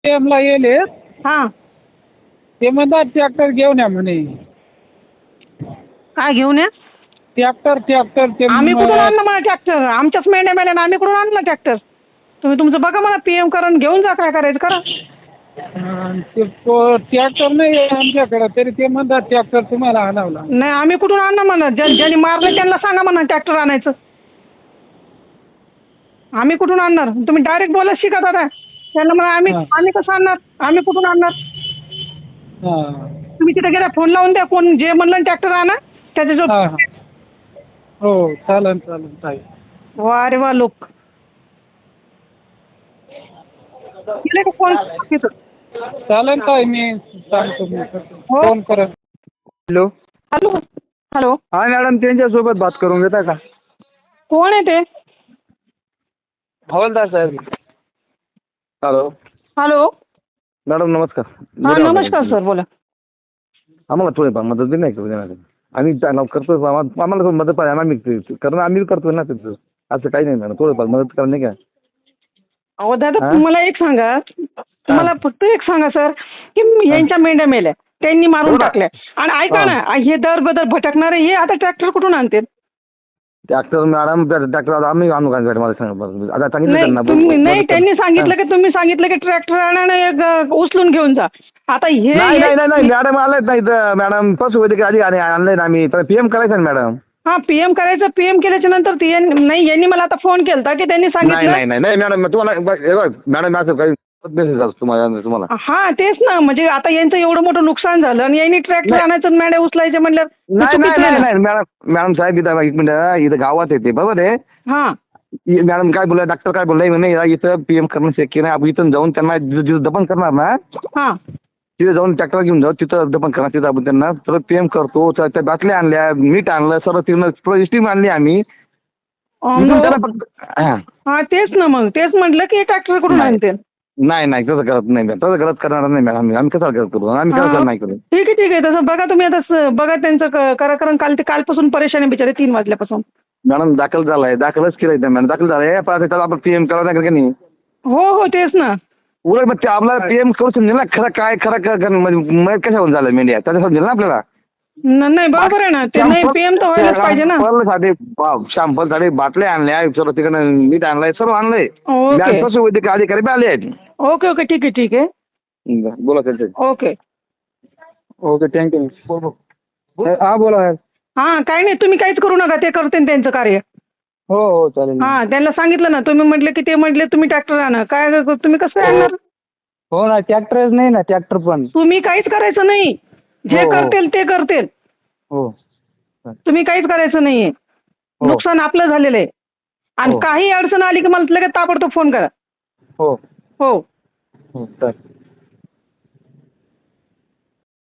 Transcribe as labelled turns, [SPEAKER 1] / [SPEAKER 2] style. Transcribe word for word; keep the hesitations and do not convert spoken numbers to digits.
[SPEAKER 1] पीएमला येले
[SPEAKER 2] हां
[SPEAKER 1] ते म्हणतात ट्रॅक्टर घेऊन या म्हणे.
[SPEAKER 2] काय घेऊन या?
[SPEAKER 1] ट्रॅक्टर ट्रॅक्टर ते
[SPEAKER 2] आम्ही कुठून आणलं मला ट्रॅक्टर? आमच्याच मेंढ्या मेल्या ना, आम्ही कुठून आणलं ट्रॅक्टर? तुम्ही तुमचं बघा, मला पीएम करून घेऊन जा, काय करायचं करा.
[SPEAKER 1] अं, ते ट्रॅक्टर नाही आहे आमच्याकडे, तरी ते म्हणतात ट्रॅक्टर तुम्हाला आणावला.
[SPEAKER 2] नाही, आम्ही कुठून आणलं म्हणा, ज्या ज्यांनी मारलं त्यांना सांगा म्हणा ट्रॅक्टर आणायचं. आम्ही कुठून आणणार? तुम्ही डायरेक्ट बोला शिका दादा त्यांना म्हणा. आम्ही
[SPEAKER 1] हां.
[SPEAKER 2] आम्ही कसं आणणार? आम्ही कुठून आणणार?
[SPEAKER 1] हां
[SPEAKER 2] तुम्ही तिथे गेला फोन लावून द्या, कोण जे म्हणलं ट्रॅक्टर आणा त्याच्याजवळ.
[SPEAKER 1] हां हां. हो चालेल चालेल ताई.
[SPEAKER 2] वा रे वा लोक केले का फोन तिथं?
[SPEAKER 1] चालेल ताई, मी सांगतो मी
[SPEAKER 2] हो.
[SPEAKER 1] फोन करत.
[SPEAKER 3] हॅलो.
[SPEAKER 2] हॅलो हॅलो
[SPEAKER 3] हा मॅडम, त्यांच्यासोबत बात करून घेता का?
[SPEAKER 2] कोण आहे ते?
[SPEAKER 3] हवालदार साहेब. हॅलो.
[SPEAKER 2] हॅलो
[SPEAKER 3] मॅडम नमस्कार.
[SPEAKER 2] हां नमस्कार सर, बोला.
[SPEAKER 3] आम्हाला थोडीफार मदत बी नाही करू देणार. आम्ही त्यांना करतो, आम्हा- आम्हाला थोडी मदत पाहिजे, आम्ही कारण आम्ही करतो ना तिथं. असं काही नाही मॅडम, थोडंफार मदत करा नाही का?
[SPEAKER 2] अहो दादा
[SPEAKER 3] हां?
[SPEAKER 2] तुम्हाला एक सांगा, तुम्हाला फक्त एक सांगा सर, की यांच्या मेंढ्या मेल्या त्यांनी मारून
[SPEAKER 3] हो ना.
[SPEAKER 2] टाकल्या, आणि ऐका ना, हे दर बदल भटकणारे हे आता ट्रॅक्टर कुठून आणते?
[SPEAKER 3] ट्रॅक्टर मॅडम, ट्रॅक्टर आम्ही आणू का मला सांगा बरं. आता सांगितलं
[SPEAKER 2] नाही
[SPEAKER 3] त्यांना
[SPEAKER 2] तुम्ही
[SPEAKER 3] बोल-
[SPEAKER 2] नाही,
[SPEAKER 3] मदत
[SPEAKER 2] त्यांनी
[SPEAKER 3] करा.
[SPEAKER 2] सांगितलं की तुम्ही सांगितलं की ट्रॅक्टर आणा आणि एक अ, उचलून घेऊन जा. आता हे
[SPEAKER 3] नाही नाही
[SPEAKER 2] हे-
[SPEAKER 3] नाही नाही मॅडम आलेच नाही तर मॅडम, पशु वैद्यकीय अधिकारी आणलंय ना आम्ही, पण पीएम करायचं ना मॅडम.
[SPEAKER 2] हा पीएम करायचं. पीएम केल्याच्या नंतर ते यांनी- नाही यांनी मला आता फोन केलता की त्यांनी
[SPEAKER 3] नाही
[SPEAKER 2] सांगितलं.
[SPEAKER 3] नाही नाही नाही मॅडम, तुम्हाला बघ- हे बघ, मॅडम असं काही मेसेज असतो तुम्हाला तुम्हाला
[SPEAKER 2] हा तेच ना, म्हणजे आता यांचं एवढं मोठं नुकसान झालं आणि यांनी ट्रॅक्टर
[SPEAKER 3] नाही.
[SPEAKER 2] आणायचं आणि मेंढ्या उचलायचे म्हणल्यावर हे
[SPEAKER 3] नाही नाही
[SPEAKER 2] चुकीचं आहे
[SPEAKER 3] नाही
[SPEAKER 2] ना.
[SPEAKER 3] नाही मॅडम मॅडम साहेब, इथं एक मिनिट, इथं गावात येते बरोबर आहे.
[SPEAKER 2] हा
[SPEAKER 3] इ- मॅडम काय बोलला, डॉक्टर काय बोललाय म्हणे, या इथं पीएम करणं शक्य नाही. आपण इथून जाऊन त्यांना जिथं जिथं दफन करणार ना,
[SPEAKER 2] हा
[SPEAKER 3] तिथे जाऊन ट्रॅक्टर घेऊन जाऊ, तिथं दफन करणार. तिथं आपण त्यांना परत पीएम करतो. त्या त्या बाटल्या आणल्या, मीठ आणलं, सर्व तिथून स्टीम आणली आम्ही.
[SPEAKER 2] अं,
[SPEAKER 3] इथून
[SPEAKER 2] मग-
[SPEAKER 3] त्याला फक्त हां.
[SPEAKER 2] हा तेच ना, मग तेच म्हटलं की ट्रॅक्टर कुठून
[SPEAKER 3] नाही.
[SPEAKER 2] आणते.
[SPEAKER 3] नाही नाही तसं करत नाही मॅडम, तसं करत करणार नाही मॅडम. आम्ही आम्ही कसं करत करू, आम्ही
[SPEAKER 2] हा,
[SPEAKER 3] कसं नाही करू.
[SPEAKER 2] ठीक आहे ठीक आहे, तसं बघा तुम्ही आता स- बघा त्यांचं क- करा, कारण काल ते कालपासून परेशान आहे बिचारे, तीन वाजल्यापासून.
[SPEAKER 3] मॅडम दाखल झालाय, दाखलच केलंय त्या मॅडम, दाखल झालाय. पण आता त्याला आपण पीएम करावं लागेल का नाही?
[SPEAKER 2] हो हो तेच ना.
[SPEAKER 3] उलट मग ते आपल्याला पीएम करू समजेल ना, खरं काय खरं काय म्हणजे कशावर झालं मीडिया, त्याचं समजेल ना आपल्याला.
[SPEAKER 2] न- नाही बरोबर आहे ना, ते नाही पीएम तर व्हायलाच पाहिजे ना.
[SPEAKER 3] साठी शॅम्पल साठी बाटल्या आणल्या, सर्व तिकडे मीठ आणलंय, सर्व आणलंय.
[SPEAKER 2] ओके
[SPEAKER 3] पशु वैद्यकीय अधिकारी बी आले आहेत.
[SPEAKER 2] ओके ओके ठीक आहे ठीक आहे.
[SPEAKER 3] बरं, बोला त्यांचे.
[SPEAKER 2] ओके.
[SPEAKER 3] Okay thank you. हा बोला.
[SPEAKER 2] हां काही नाही, तुम्ही काहीच करू नका, ते करते त्यांचं कार्य.
[SPEAKER 3] हो हो चालेल.
[SPEAKER 2] हां त्यांना सांगितलं ना, तुम्ही म्हटले की ते म्हटले तुम्ही ट्रॅक्टर आणा, काय तुम्ही कसं आणणार?
[SPEAKER 1] हो ना, ट्रॅक्टरच नाही ना, ट्रॅक्टर पण.
[SPEAKER 2] तुम्ही काहीच करायचं नाही, जे
[SPEAKER 3] हो, हो.
[SPEAKER 2] करतील ते करतील.
[SPEAKER 3] हो
[SPEAKER 2] तुम्ही काहीच करायचं नाहीये.
[SPEAKER 3] हो.
[SPEAKER 2] नुकसान आपलं झालेलं आहे, आणि
[SPEAKER 3] हो.
[SPEAKER 2] काही अडचण आली की मला लगेच ताबडतोब फोन करा.
[SPEAKER 3] हो
[SPEAKER 2] हो
[SPEAKER 3] हो चालेल.